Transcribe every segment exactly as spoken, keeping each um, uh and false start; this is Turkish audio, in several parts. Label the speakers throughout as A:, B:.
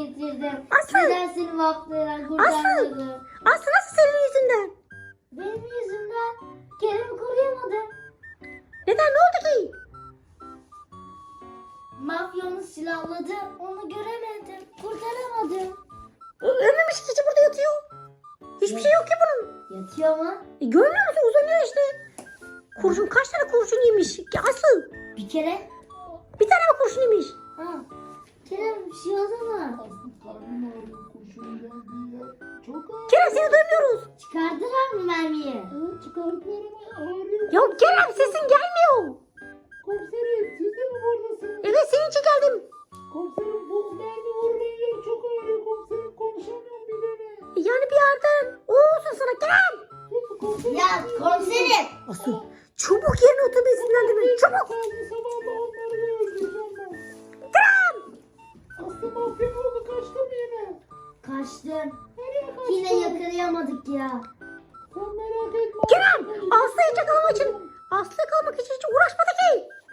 A: getirdim.
B: Aslı.
A: Neden seni mafyadan
B: Aslı.
A: kurtarmadım?
B: Aslı nasıl senin yüzünden?
A: Benim yüzümden Kerem'i koruyamadım.
B: Neden, ne oldu ki?
A: Mafya onu silahladı. Onu göremedim. Kurtaramadım.
B: Ö- Ölmemiş ki, burada yatıyor. Hiçbir şey yok ki bunun.
A: Yatıyor mu?
B: E, görmüyor musun, uzanıyor işte. Kurşun, kaç tane kurşun yemiş? Ya Aslı,
A: Bir kere.
B: bir tane mi kurşun yemiş?
A: Ha. Kerem bir şey oldu mu?
C: Aslında karnım ağrıyor, kurşun geldi ya. Çok ağrıyor.
B: Kerem, seni duymuyoruz.
A: Çıkardılar mı mermiyi?
C: Evet, çıkardılar ama ağrıyor.
B: Ya Kerem, sesin gelmiyor.
C: Komiserim, siz de mi buradasınız?
B: Evet, senin için geldim.
C: Komiserim, bu mermi vurulan yer çok ağrıyor komiserim. Konuşamıyorum bir de ne?
B: E, yani bir yerden o olsun sana Kerem.
C: Sus komiserim.
A: Ya komiserim.
B: Aslı, çabuk yerine otur, beni sinirlendirme. Çabuk.
C: Kaldı sabahla onları da öldüreceğim ben.
B: Kerem.
C: Aslı mafya ne oldu? Kaçtı mı yine?
A: Kaçtım.
C: Nereye kaçtı?
A: Yine yakalayamadık ya.
C: Sen merak etme.
B: Kerem, Aslı'yı yakalamak için, Aslı kalmak için hiç uğraşmadı ki.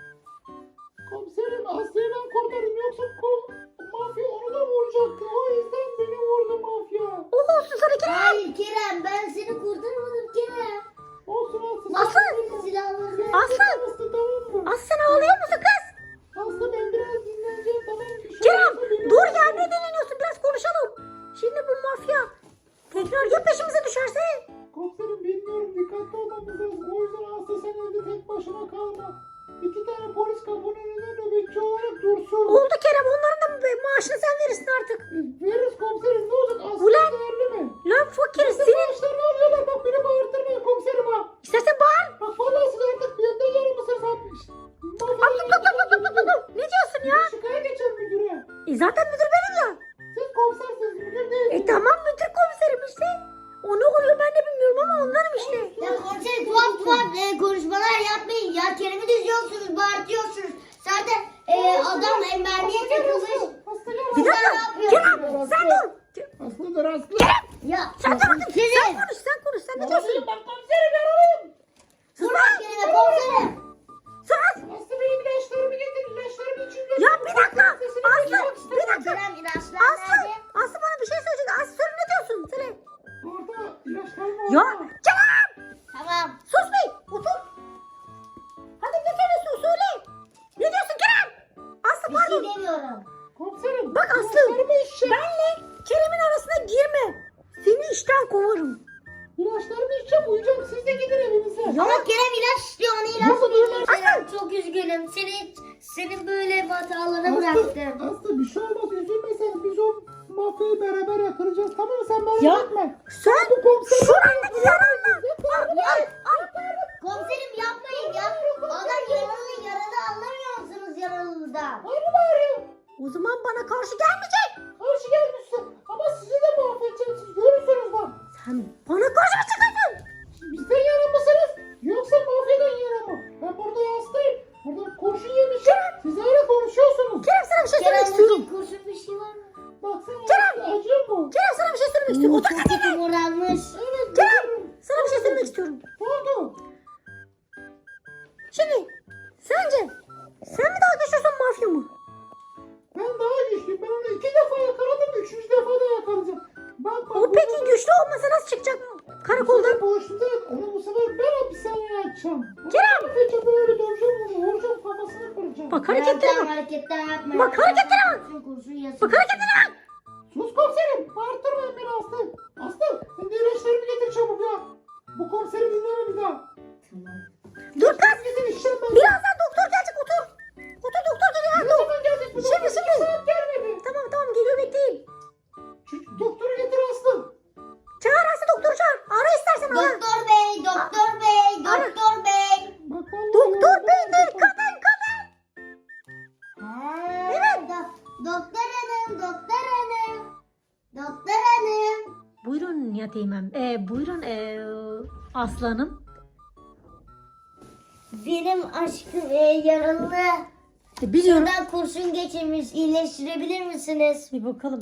C: Komiserim, Aslı'yı ben kurtardım. Yoksa kol, mafya onu da vuracaktı. O yüzden beni vurdu mafya.
B: O olsun sana Kerem.
A: Hayır Kerem, ben seni kurtarmadım Kerem.
C: Olsun Aslı.
B: Aslı.
A: Beni silahladı.
B: Aslı.
C: Aslı tamam mı?
B: Aslı, sen ağlıyor musun kız?
C: Aslı ben biraz dinleneceğim tamam mı? Şu
B: Kerem,
C: anda beni
B: dur
C: vurdu.
B: ya, ne dinleniyorsun, biraz konuşalım. Şimdi bu mafya tekrar ya peşimize düşerse?
C: Komiserim bilmiyorum, dikkatli olmamız lazım. O yüzden Aslı sen evde tek başına kalma. İki tane polis kapının önünde nöbetçi olarak dursun.
B: Oldu Kerem, onların da maaşını sen verirsin artık.
C: Veririz komiserim, ne olacak? Aslı
B: Ulan.
C: değerli mi?
B: Lan fakir,
C: Nasıl
B: senin
C: maaşlarını alıyorlar? Bak beni bağırtırmayın komiserim ha.
B: istersen bağır.
C: Bak vallahi siz artık bir yerde yarımısınız atmış.
B: Aa, dur, dur, dur, dur, dur, dur, dur. Ne diyorsun ya?
C: Şikayet geçeceğim müdüre.
B: E, zaten müdür benim ya.
C: Siz komisersiniz, müdür değilsiniz.
B: E tamam, müdür komiserim işte. O ne oluyor ben de bilmiyorum ama onlarım işte.
A: Ya komiserim tuhaf tuhaf e, konuşmalar yapmayın. Ya Kerem'i diziyorsunuz, bağırtıyorsunuz. Zaten e, adam e, mermiye takılmış.
C: Aslı gel.
B: Bir dakika.
A: ne yapıyorsun?
B: Kerem, sen dur.
C: Aslı dur Aslı.
A: Ya
B: Sen dur bakayım. Sen
A: Kerem.
B: konuş, sen konuş. Sen ne diyorsun?
C: Ben komiserim yaralıyım.
B: Sus
A: Bırak
B: lan.
A: Kerem'e komiserim.
B: Sus.
C: Aslı benim ilaçlarımı getir. İlaçlarımı içinde.
B: Ya bir dakika. Aslı, bir dakika.
A: Kerem ilaçlar
B: Aslı,
A: nerede?
B: Aslı bana bir şey söyleyecek. Aslı, söyle, ne diyorsun? Söyle.
C: Orada ilaçlarım var.
B: Ya Kerem.
A: Tamam.
B: Sus be. Otur. Hadi ne söylüyorsun, söyle. Ne diyorsun Kerem? Aslı,
A: Bir şey
B: pardon.
A: demiyorum.
C: Komiserim.
B: Bak Aslı,
C: ilaçlarımı içeceğim.
B: benle Kerem'in arasına girme. Seni işten kovarım.
C: İlaçlarımı içeceğim. Uyuyacağım. Siz de gidin evinize.
A: Ama Kerem ilaç istiyor, ona ilaç
C: Nasıl
A: veriyorum.
C: ilaç?
A: Kerem çok üzgünüm. Seni senin böyle hatalarına
C: Aslı,
A: bıraktım.
C: Aslı bir şey olmaz. Üzülmesen biz o mafyayı beraber yakalayacağız. Tamam mı? Sen merak
B: Ya.
C: etme.
B: Sen
C: Bu komiserim.
B: şurandaki yaranla. Al, al, al.
A: Komiserim yapmayın ya. Adam yaralı yaralı, anlamıyor musunuz yaralılıdan?
C: Aynı bağırıyor.
B: O zaman bana karşı gelmeyecek.
C: Karşı gelmişsin. Ama sizi de mahvedeceğim. Siz görürsünüz bak.
B: Sen bana karşı mı çıkıyorsun?
C: Bizden yana mısınız? Yoksa mafyadan yana mı? Ben burada hastayım. Burada kurşun yemişim. Siz öyle konuşuyorsunuz.
B: Kerem, sana bir şey söylemek
A: Kerem
B: istiyorum.
A: bugün kurşun bir şey var mı?
C: Baksana
B: Kerem!
C: Aslı, acıyor mu?
B: Kerem, sana bir şey söylemek istiyorum. Otur
A: Çok
B: hadi.
A: kötü morarmış.
C: Evet.
B: Kerem,
C: biliyorum.
B: sana bir şey söylemek istiyorum.
C: Ne oldu?
B: Şimdi sence sen mi daha güçlüsün, mafya mı?
C: Ben daha güçlüyüm. Ben onu iki defa yakaladım. Üçüncü defa da yakalayacağım. Bak bak.
B: O peki güçlü olmasa nasıl çıkacak karakoldan?
C: Boşluğunda onu bu sefer ben hapishaneye açacağım.
B: Kerem!
C: Peki böyle döveceğim onu. Vuracağım kafasını kıracağım.
B: Bak hareketlere
A: Kerem,
B: bak.
A: hareketler yapmayın.
B: Bak hareketlere bak.
A: Kurşun kurşun yesin.
B: Bak hareketlere bak.
C: Sus komiserim. Bağırtırmayın beni Aslı. Aslı sen de ilaçlarımı getir çabuk ya. Bu komiseri dinleme bir daha.
A: Tamam.
B: Dur kız.
C: Getir işlem ben.
B: Birazdan doktor gelecek, otur. Otur, doktor geliyor.
C: Ne
B: Dur.
C: zaman gelecek bu
B: Şimdi,
C: doktor?
B: şimdi.
C: Bir saat gelmedi.
B: Tamam tamam, geliyor, bekleyin.
C: Şu doktoru getir Aslı.
B: Çağır Aslı, doktoru çağır. Ara istersen ara.
A: Doktor bey, doktor bey,
B: Ara.
A: doktor bey.
C: Bak vallahi
B: Doktor
C: ya,
B: bey değil,
C: doktor.
B: kadın kadın.
A: Evet. Do- doktor hanım, doktor hanım. Doktor hanım.
B: Buyurun Yatimem. Ee, buyurun ee, aslanım.
A: Benim aşkım e, yaralı.
B: E, biliyorum.
A: Buradan kurşun geçirmiş. İyileştirebilir misiniz?
B: Bir bakalım.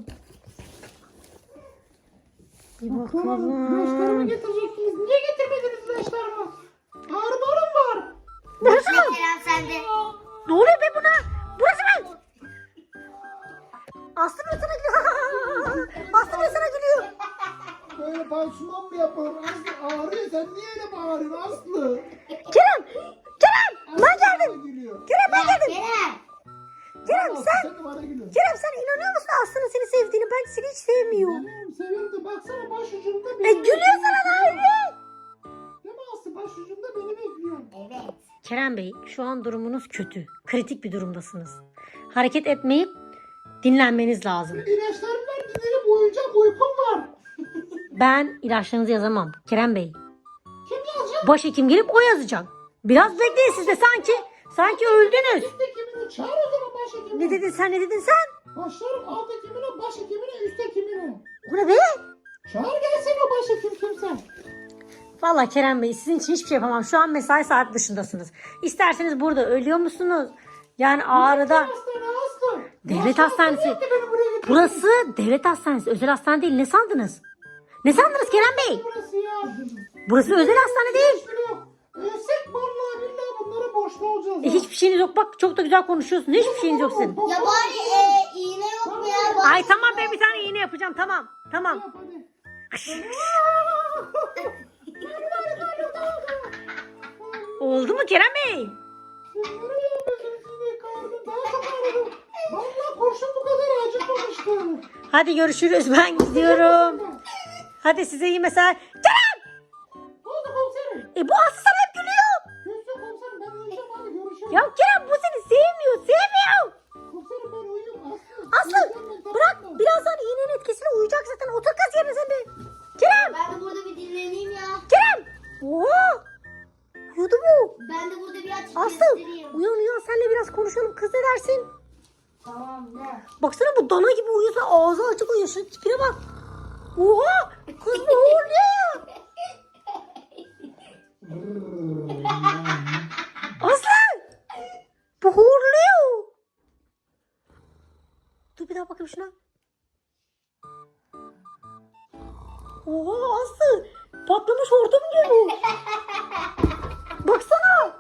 B: Bir
C: Tamam, ilaçlarımı
B: bakalım.
C: getirecektiniz. Niye getirmediniz ilaçlarımı? Ağrılarım var.
B: Burası mı?
A: Kerem sende.
B: Ne oluyor be buna? Burası mı? Aslı mı sana gidiyor?
C: pansuman mı yapalım? Aslı ağrıyor. Sen niye öyle bağırıyorsun Aslı?
B: Kerem! Kerem! Ben geldim.
C: Gülüyor.
B: Kerem ben
A: Ya
B: geldim.
A: Kerem.
B: Kerem
C: Aslı,
B: sen...
C: sen de bana gülüyorsun.
B: Kerem sen inanıyor musun Aslı'nın seni sevdiğini? Ben seni hiç sevmiyorum.
C: Seviyorum seviyorum da baksana başucumda
B: E
C: beni
B: gülüyor sana da öyle.
C: Değil mi Aslı? Başucumda beni bekliyor.
A: Evet.
B: Kerem Bey şu an durumunuz kötü. Kritik bir durumdasınız. Hareket etmeyip dinlenmeniz lazım.
C: İlaçlarım var dinlenip uyuyacağım. Uykum var.
B: Ben ilaçlarınızı yazamam Kerem Bey.
C: Kim yazacak?
B: Başhekim gelip o yazacak. Biraz bekleyin siz de sanki. Sanki öldünüz.
C: Üst hekimini çağır o zaman başhekimini.
B: Ne dedin sen ne dedin sen?
C: Başlarım alt hekimine, başhekimine, üst hekimine.
B: Bu ne be?
C: Çağır gelsin o başhekim kimse.
B: Vallahi Kerem Bey sizin için hiçbir şey yapamam. Şu an mesai saat dışındasınız. İsterseniz burada ölüyor musunuz? Yani ağrıda.
C: Hastane hasta.
B: Devlet
C: Başka
B: hastanesi.
C: hastane yok ki beni buraya getirdin.
B: Burası devlet hastanesi. Özel hastane değil. Ne sandınız? Ne sandınız Kerem Bey?
C: Burası ya.
B: Burası özel hastane değil.
C: Hiçbiri yok. Ölsek vallahi billahi bunlara borçlu olacağız.
B: E,
C: ha.
B: hiçbir şeyiniz yok. Bak çok da güzel konuşuyorsun. Hiçbir şeyiniz yok sizin.
A: Ya bari e, iğne yok mu ya? Bari-
B: Ay tamam ben bir tane iğne yapacağım. Tamam. Tamam.
C: Yap hadi.
B: Oldu mu Kerem Bey?
C: Sen nereye yapıyorsun sizi? Karnım daha çok ağrıdı. Vallahi kurşun bu kadar acıtmamıştı.
B: Hadi görüşürüz. Ben gidiyorum. Hadi size iyi mesai. Kerem!
C: Ne oldu komiserim?
B: E bu Aslı sana hep gülüyor.
C: Gülsün komiserim ben uyuyacağım hadi görüşürüz.
B: Ya Kerem bu seni sevmiyor. Sevmiyor.
C: Komiserim ben uyuyorum Aslı.
B: Aslı
C: Uyuyacağım ben, tamam
B: bırak.
C: mı?
B: Birazdan iğnenin etkisiyle uyuyacak zaten. Otur kız yerine sen de. Kerem!
A: Ben de burada bir dinleneyim ya.
B: Kerem! Oo! Uyudu mu?
A: Ben de burada bir açık
B: Aslı
A: göstereyim.
B: uyan uyan senle biraz konuşalım. Kız ne dersin?
A: Tamam ne?
B: Baksana bu dana gibi uyuyorsa ağzı açık uyuyor. Şunun tipine bak. Oha! Kız ne oluyor? Aslı! Bu horluyor. Dur bir daha bakayım şuna. Oha Aslı! Patlamış hortum gibi bu. Baksana.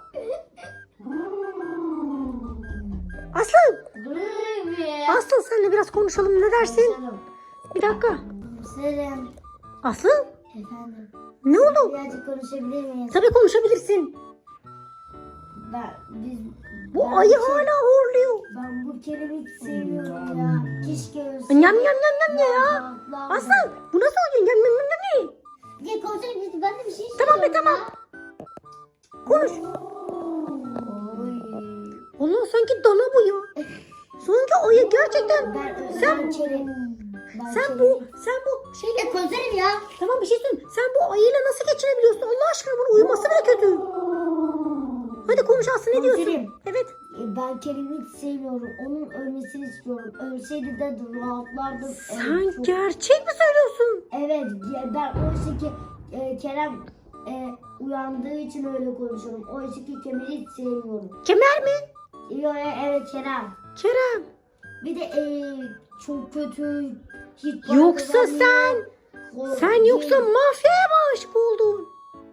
B: Aslı!
A: Dur be.
B: Aslı seninle biraz konuşalım ne dersin?
A: Komiserim.
B: Bir dakika.
A: Komiserim.
B: Aslı
A: Efendim.
B: ne oldu?
A: Birazcık konuşabilir miyiz?
B: Tabii konuşabilirsin.
A: Ben, biz,
B: Bu
A: ben
B: ayı
A: şey-
B: hala horluyor.
A: Ben bu kelimi hiç sevmiyorum ya. Keşke ölseydim.
B: Nyam nyam nyam nyam ne ya?
A: Rahatlardım.
B: Aslı bu nasıl oluyor? Nyam nyam nyam nyam ne?
A: Ya komiserim biz- ben de bir şey
B: Tamam be,
A: istiyorum
B: tamam.
A: ya.
B: Konuş.
A: Oy.
B: Allah sanki dana bu ya. Sanki ayı gerçekten.
A: Ben,
B: Sen
A: ben kelim. Ben
B: sen
A: kelim-
B: bu sen bu şeyle
A: Ya komiserim ya.
B: tamam bir şey söyleyeyim. Sen bu ayıyla nasıl geçinebiliyorsun? Allah aşkına bunun uyuması bile kötü. Hadi konuş Aslı ne diyorsun?
A: Komiserim.
B: Evet.
A: E, Ben Kerim'i hiç sevmiyorum. Onun ölmesini istiyorum. Ölseydi de rahatlardım.
B: Sen
A: Evet, çok-
B: gerçek mi söylüyorsun?
A: Evet ya ben oysa ki e, Kerem e, uyandığı için öyle konuşuyorum. Oysa ki Kemal'i hiç sevmiyorum.
B: Kemer mi?
A: Yo, e, evet Kerem.
B: Kerem.
A: Bir de e, çok kötü. Hiç para
B: Yoksa
A: kazanmıyor.
B: sen
A: O-
B: sen yoksa mafyaya mı aşık oldun?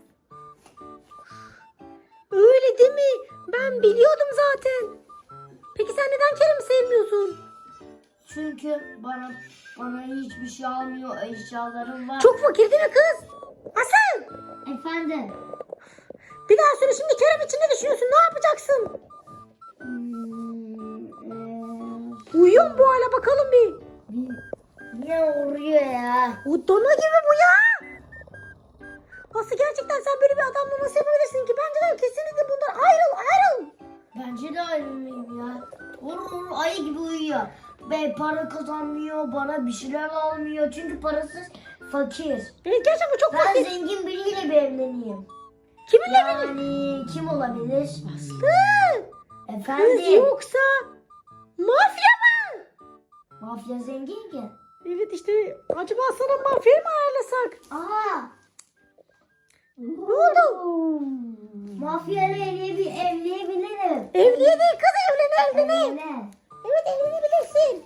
B: Öyle değil mi? Ben biliyordum zaten. Peki sen neden Kerem'i sevmiyorsun?
A: Çünkü bana bana hiçbir şey almıyor. Eşyalarım var.
B: Çok fakir değil mi kız? Asıl!
A: Efendim.
B: Bir daha söyle şimdi Kerem için ne düşünüyorsun? Ne yapacaksın?
A: Hmm, e,
B: Uyuyor mu bu hala bakalım bir.
A: bir- Niye vuruyor ya?
B: O dana gibi bu ya. Aslı gerçekten sen böyle bir adamla nasıl yapabilirsin ki? Bence de kesinlikle bundan ayrıl ayrıl.
A: Bence de ayrılmayayım ya. Vur vur ayı gibi uyuyor. Be para kazanmıyor, bana bir şeyler almıyor. Çünkü parasız fakir.
B: Evet gerçekten bu çok
A: Ben
B: fakir.
A: zengin biriyle bir evleneyim.
B: Kiminle evlenir?
A: Yani kim olabilir?
B: Aslı. Kız
A: Efendim.
B: yoksa mafya mı?
A: Mafya zengin ki.
B: Evet işte acaba sana mafya mı ayarlasak?
A: Aa.
B: Ne oldu?
A: Mafyayla evleyebil evleyebilirim.
B: Evliye değil kız evlen evlen.
A: Evlen.
B: Evet evlenebilirsin.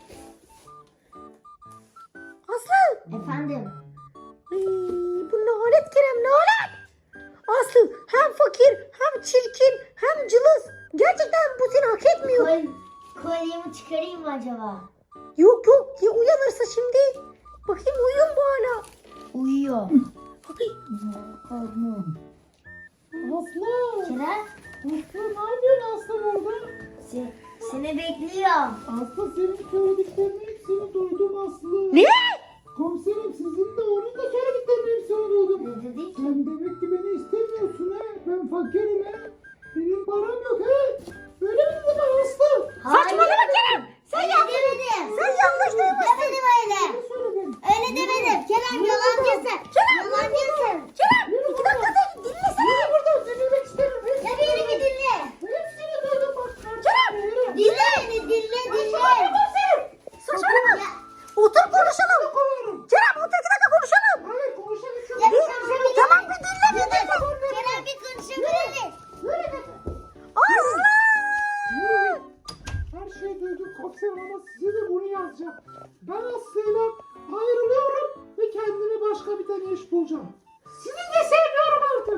B: Aslı.
A: Efendim.
B: Ay, bu nalet Kerem nalet. Aslı hem fakir hem çirkin hem cılız. Gerçekten bu seni hak etmiyor.
A: Kol, kolyemi çıkarayım mı acaba?
B: Yok yok ya uyanırsa şimdi. Bakayım uyuyor mu bu hala?
A: Uyuyor.
C: Karnım. Aslı.
A: Kerem
C: Aslı ne yapıyorsun Aslı burada?
A: se- seni bekliyorum.
C: Aslı senin söylediklerini hepsini duydum Aslı.
B: Ne?
C: Komiserim sizin de onun da söylediklerini hepsini duydum.
A: Ne dedik?
C: Sen demek ki beni istemiyorsun he. Ben fakirim he. Benim param yok he. Öyle mi dedin Aslı?
B: Saçmalama Kerem. Sen
A: Öyle
B: yanlış.
A: demedim.
B: Sen yanlış duymuşsun.
A: Demedim öyle.
C: Ne söyledin?
A: Öyle demedim. Kerem yalancısın. Yalancısın.
B: Kerem iki dakika da dinlesene.
C: Yürü buradan dinlemek isterim. Hepsini
A: Ya beni bir dinle.
C: Hepsini duydum bak.
B: Kerem.
C: Yürü.
A: Dinle beni dinle dinle.
B: Saçmalama.
A: Ya,
B: Otur konuşalım.
C: Kovarım.
B: Kerem otur iki dakika konuşalım.
C: Hayır konuşalım.
A: ya bir konuşabilir
B: Tamam
A: miyim?
B: bir dinle bir dinle.
A: Kerem bir konuşabilir.
B: Aslı.
C: Her şeyi duydum komiserim ama size de bunu yazacağım. Ben Aslı'yla ayrılıyorum ve kendime başka bir tane iş bulacağım. Sizi de sevmiyorum artık.